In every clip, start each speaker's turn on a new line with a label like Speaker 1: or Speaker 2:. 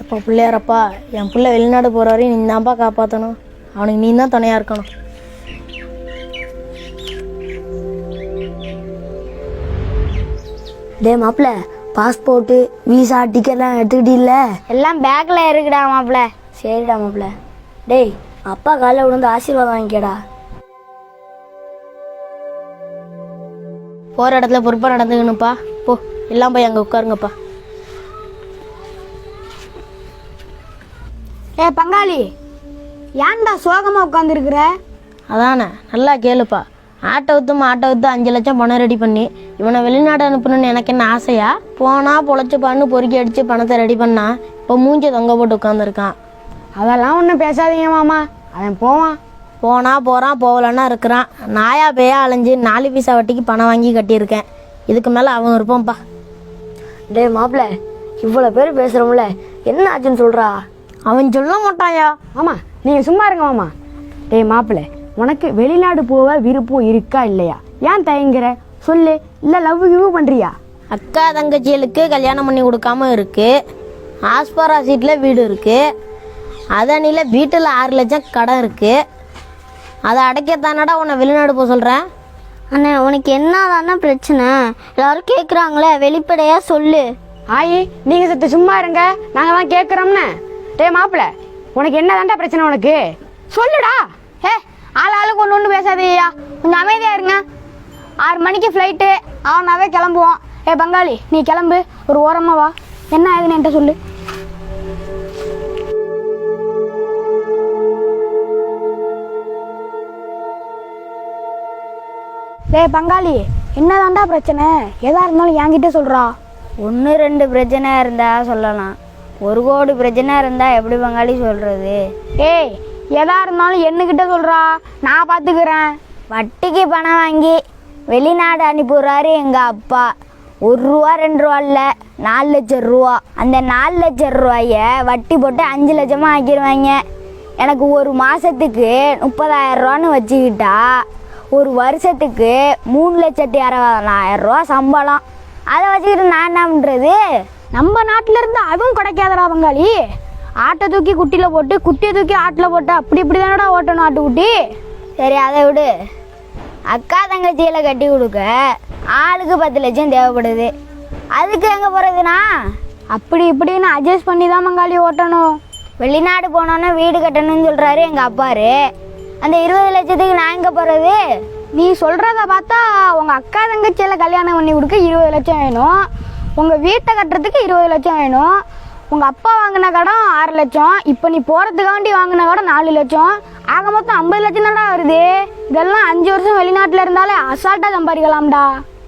Speaker 1: அப்பா பிள்ளையாரப்பா, என் பிள்ளை வெளிநாடு போகிற வரையும் நீ தான்ப்பா காப்பாற்றணும். அவனுக்கு நீ தான் துணையாக இருக்கணும்.
Speaker 2: டே மாப்பிள்ள, பாஸ்போர்ட்டு விசா டிக்கெட்லாம் எடுத்துக்கிட்டில்ல?
Speaker 3: எல்லாம் பேக்கில் இருக்குடா மாப்பிள்ள.
Speaker 2: சரிடா மாப்பிள்ள. டேய், அப்பா காலைல விழுந்து ஆசீர்வாதம் வாங்கிக்கடா.
Speaker 1: போகிற இடத்துல பொறுப்பாக நடந்துக்கணும்ப்பா. போ, எல்லாம் போய் அங்கே உட்காருங்கப்பா.
Speaker 3: பங்காளி, ஏன்டா சோகமாக உட்காந்துருக்குற?
Speaker 1: அதானே, நல்லா கேளுப்பா. ஆட்டோ விற்று 5 லட்சம் பணம் ரெடி பண்ணி இவனை வெளிநாடு அனுப்பணும்னு எனக்கு என்ன ஆசையா? போனால் பொழைச்சிப்பான்னு பொறுக்கி அடித்து பணத்தை ரெடி பண்ணா இப்போ மூஞ்சி தொங்க போட்டு உட்காந்துருக்கான்.
Speaker 3: அதெல்லாம் ஒன்றும் பேசாதீங்க மாமா, அவன் போவான்.
Speaker 1: போனால் போகிறான், போகலன்னா இருக்கிறான். நாயா பேயா அலைஞ்சு 4 பைசா வட்டிக்கு பணம் வாங்கி கட்டியிருக்கேன். இதுக்கு மேலே அவன் இருப்பான்ப்பா.
Speaker 2: டே மாப்பிள்ள, இவ்வளோ பேர் பேசுகிறோம்ல, என்ன ஆச்சுன்னு சொல்கிறா?
Speaker 1: அவன் சொல்ல மாட்டாயா?
Speaker 3: மாமா நீங்கள் சும்மா இருங்க மாமா. டேய் மாப்பிள்ள, உனக்கு வெளிநாடு போக விருப்பம் இருக்கா இல்லையா? ஏன் தயங்குற சொல்லு. இல்லை லவ் கிவ் பண்ணுறியா?
Speaker 1: அக்கா தங்கச்சிகளுக்கு கல்யாணம் பண்ணி கொடுக்காம இருக்கு. ஆஸ்பரா சீட்டில் வீடு இருக்கு. அதனில் வீட்டில் 6 லட்சம் கடன் இருக்கு. அதை அடைக்கத்தானடா உன்னை வெளிநாடு போக சொல்கிறேன்.
Speaker 3: அண்ணே, உனக்கு என்ன பிரச்சனை? எல்லாரும் கேட்குறாங்களே, வெளிப்படையாக சொல்லு. ஆயி, நீங்கள் சத்து சும்மா இருங்க, நாங்கள் தான் கேட்குறோம்னு. டே மாப்பிள்ள, உனக்கு என்ன பிரச்சனை? உனக்கு சொல்லுடா. ஆளுக்கு ஒன்று பேசாதேயா, கொஞ்சம் அமைதியாக இருங்க. 6 மணிக்கு ஃப்ளைட்டு, அவனாவே கிளம்புவான். பங்காளி, நீ கிளம்பு, ஒரு ஓரமாக வா. என்ன ஆகுதுன்னு என்கிட்ட சொல்லு. பங்காளி, என்னதான்டா பிரச்சனை? எதா இருந்தாலும் என்கிட்ட சொல்கிறா.
Speaker 2: 1-2 பிரச்சனை இருந்தால் சொல்லலாம், 1 கோடி பிரச்சனை இருந்தால் எப்படி பங்காளி சொல்கிறது?
Speaker 3: ஏய், எதா இருந்தாலும் என்னக்கிட்ட சொல்கிறா, நான் பார்த்துக்கிறேன்.
Speaker 2: வட்டிக்கு பணம் வாங்கி வெளிநாடு அனுப்பிடுறாரு எங்கள் அப்பா. 1 ரூபா 2 ரூபா இல்லை, 4 லட்சம் ரூபா. அந்த 4 லட்சம் ரூபாய வட்டி போட்டு 5 லட்சமாக ஆக்கிடுவாங்க. எனக்கு ஒரு மாதத்துக்கு 30,000 ரூபான்னு வச்சுக்கிட்டா ஒரு வருஷத்துக்கு 3,60,000 ரூபா சம்பளம். அதை வச்சுக்கிட்டு நான் என்ன பண்ணுறது?
Speaker 3: நம்ம நாட்டில் இருந்து அதுவும் கிடைக்காதடா பங்காளி. ஆட்டை தூக்கி குட்டியில் போட்டு, குட்டியை தூக்கி ஆட்டில் போட்டு, அப்படி இப்படி தானடா ஓட்டணும் ஆட்டுக்குட்டி.
Speaker 2: சரி, அதை விடு. அக்கா தங்கச்சியில கட்டி கொடுக்க ஆளுக்கு 10 லட்சம் தேவைப்படுது. அதுக்கு எங்கே போகிறதுனா?
Speaker 3: அப்படி இப்படின்னு அட்ஜஸ்ட் பண்ணி தான் பங்காளி ஓட்டணும்.
Speaker 2: வெளிநாடு போனோன்னே வீடு கட்டணும்னு சொல்கிறாரு எங்கள் அப்பாரு. அந்த 20 லட்சத்துக்கு நான் எங்கே போகிறது?
Speaker 3: நீ சொல்கிறத பார்த்தா உங்கள் அக்கா தங்கச்சியில் கல்யாணம் பண்ணி கொடுக்க 20 லட்சம் வேணும், உங்கள் வீட்டை கட்டுறதுக்கு 20 லட்சம் வேணும், உங்கள் அப்பா வாங்கின கடன் 6 லட்சம், இப்போ நீ போகிறதுக்காண்டி வாங்கின கடன் 4 லட்சம், ஆக மொத்தம் 50 லட்சம் தான்டா வருது. இதெல்லாம் 5 வருஷம் வெளிநாட்டில் இருந்தாலே அசால்ட்டாக சம்பாதிக்கலாம்டா.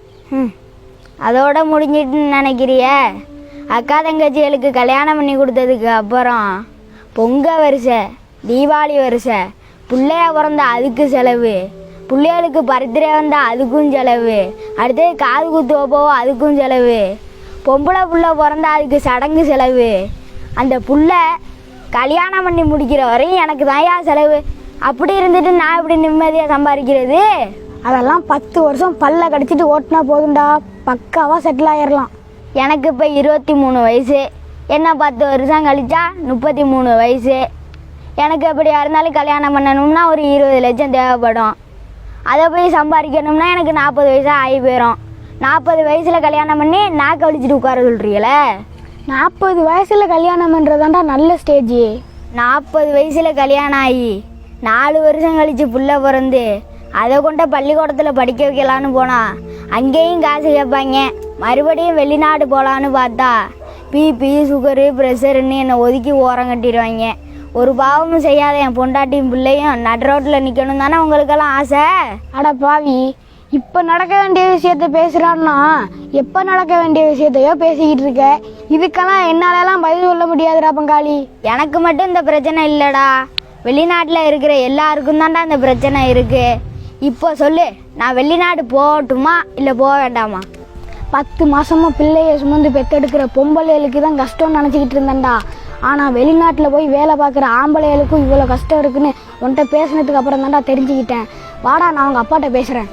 Speaker 2: அதோட முடிஞ்சிட்டுன்னு நினைக்கிறிய? அக்கா தங்கச்சிகளுக்கு கல்யாணம் பண்ணி கொடுத்ததுக்கு அப்புறம் பொங்கல் வருஷை, தீபாவளி வருஷை, பிள்ளையா பிறந்தா அதுக்கு செலவு, பிள்ளைகளுக்கு பர்த்டே வந்தால் அதுக்கும் செலவு, அடுத்தது காது குத்து வைப்போம் அதுக்கும் செலவு, பொம்பளை புள்ள பிறந்தா அதுக்கு சடங்கு செலவு. அந்த புள்ள கல்யாணம் பண்ணி முடிக்கிற வரையும் எனக்கு தான்யா செலவு. அப்படி இருந்துட்டு நான் இப்படி நிம்மதியாக சம்பாதிக்கிறது?
Speaker 3: அதெல்லாம் 10 வருஷம் பல்ல கடிச்சிட்டு ஓட்டினா போதும்டா, பக்காவாக செட்டில் ஆயிடலாம்.
Speaker 2: எனக்கு இப்போ 23 வயசு. என்ன 10 வருஷம் கழிச்சா 33 வயசு. எனக்கு எப்படியா இருந்தாலும் கல்யாணம் பண்ணணும்னா ஒரு 20 லட்சம் தேவைப்படும். அதை போய் சம்பாதிக்கணும்னா எனக்கு 40 வயசா ஆகி போயிடும். 40 வயசில் கல்யாணம் பண்ணி நான் கழிச்சிட்டு உட்கார சொல்கிறீங்களே?
Speaker 3: 40 வயசில் கல்யாணம் பண்ணுறதாண்டா நல்ல ஸ்டேஜ்.
Speaker 2: 40 வயசில் கல்யாணம் ஆகி 4 வருஷம் கழித்து புள்ள பிறந்து அதை கொண்ட பள்ளிக்கூடத்தில் படிக்க வைக்கலான்னு போனால் அங்கேயும் காசு கேட்பாங்க. மறுபடியும் வெளிநாடு போகலான்னு பார்த்தா பிபி சுகரு ப்ரெஷருன்னு என்னை ஒதுக்கி ஓரம் கட்டிடுவாங்க. ஒரு பாவமும் செய்யாத என் பொண்டாட்டியும் பிள்ளையும் நடு ரோட்டில் நிற்கணும் தானே உங்களுக்கெல்லாம் ஆசை?
Speaker 3: அட பாவி, இப்போ நடக்க வேண்டிய விஷயத்த பேசுகிறான்னா எப்போ நடக்க வேண்டிய விஷயத்தையோ பேசிக்கிட்டு இருக்க. இதுக்கெல்லாம் என்னாலலாம் பதில் சொல்ல முடியாதுடா பங்காளி.
Speaker 2: எனக்கு மட்டும் இந்த பிரச்சனை இல்லைடா, வெளிநாட்டில் இருக்கிற எல்லாருக்கும் தான்டா இந்த பிரச்சனை இருக்குது. இப்போ சொல்லு, நான் வெளிநாடு போகட்டுமா இல்லை போக வேண்டாமா?
Speaker 3: 10 மாதமாக பிள்ளையை சுமந்து பெற்றெடுக்கிற பொம்பளைகளுக்கு தான் கஷ்டம்னு நினச்சிக்கிட்டு இருந்தேன்டா. ஆனால் வெளிநாட்டில் போய் வேலை பார்க்குற ஆம்பளைகளுக்கும் இவ்வளோ கஷ்டம் இருக்குன்னு உன்கிட்ட பேசினதுக்கு அப்புறம் தான்டா தெரிஞ்சுக்கிட்டேன். வாடா, நான் அவங்க அப்பாட்ட பேசுகிறேன்.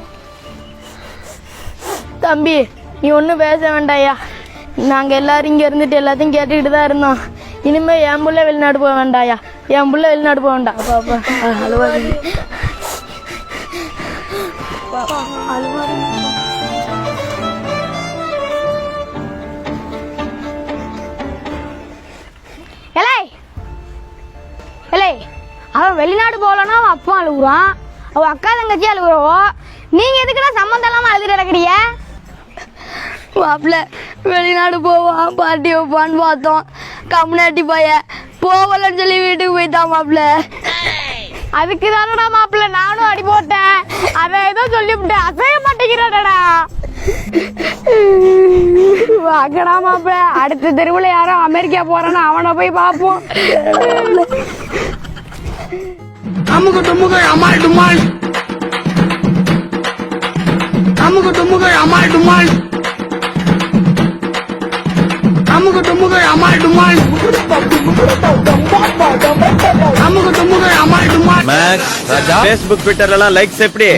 Speaker 1: தம்பி, நீ ஒன்றும் பேச வேண்டாயா. நாங்கள் எல்லோரும் இங்கே இருந்துட்டு எல்லாத்தையும் கேட்டுக்கிட்டு தான் இருந்தோம். இனிமே என் புள்ள வெளிநாடு போக வேண்டாயா, என் புள்ள வெளிநாடு போக வேண்டாம். அப்பா அப்பா அழுவாதீங்க.
Speaker 2: எலே எலே அவன் வெளிநாடு போகலன்னா அவன் அப்பா அழுகுறான், அவன் அக்கா தங்கச்சி அழுகுறவோ, நீங்க எதுக்குடா சம்மந்தம் இல்லாம அழுதுட்டு கிடக்குறீங்க?
Speaker 1: மாப்பிள்ள வெளிநாடு போவான் பார்ட்டி வைப்பான்னு பார்த்தோம், கம்யூனிட்டி பையன் போகலன்னு சொல்லி வீட்டுக்கு போயிட்டான் மாப்பிள்ள.
Speaker 2: அதுக்கு தானடா மாப்பிள்ள நானும் அடி போட்டேன், அதை ஏதோ சொல்லிவிட்டேன், அசைய மாட்டேங்கிறாடா. வாங்கடா மாப்பிள்ள, அடுத்த தெருவில் யாரோ அமெரிக்கா போறான்னு அவனை போய் பார்ப்போம்.
Speaker 4: அமுகு டுமுகு அமால் டுமால், அமுகு டுமுகு அமால் டுமால், அமுகு டுமுகு அமால் டுமால், அமுகு டுமுகு அமால் டுமால்.
Speaker 5: மேக்ஸ், Facebook, Twitterல லைக்ஸ் எப்படி?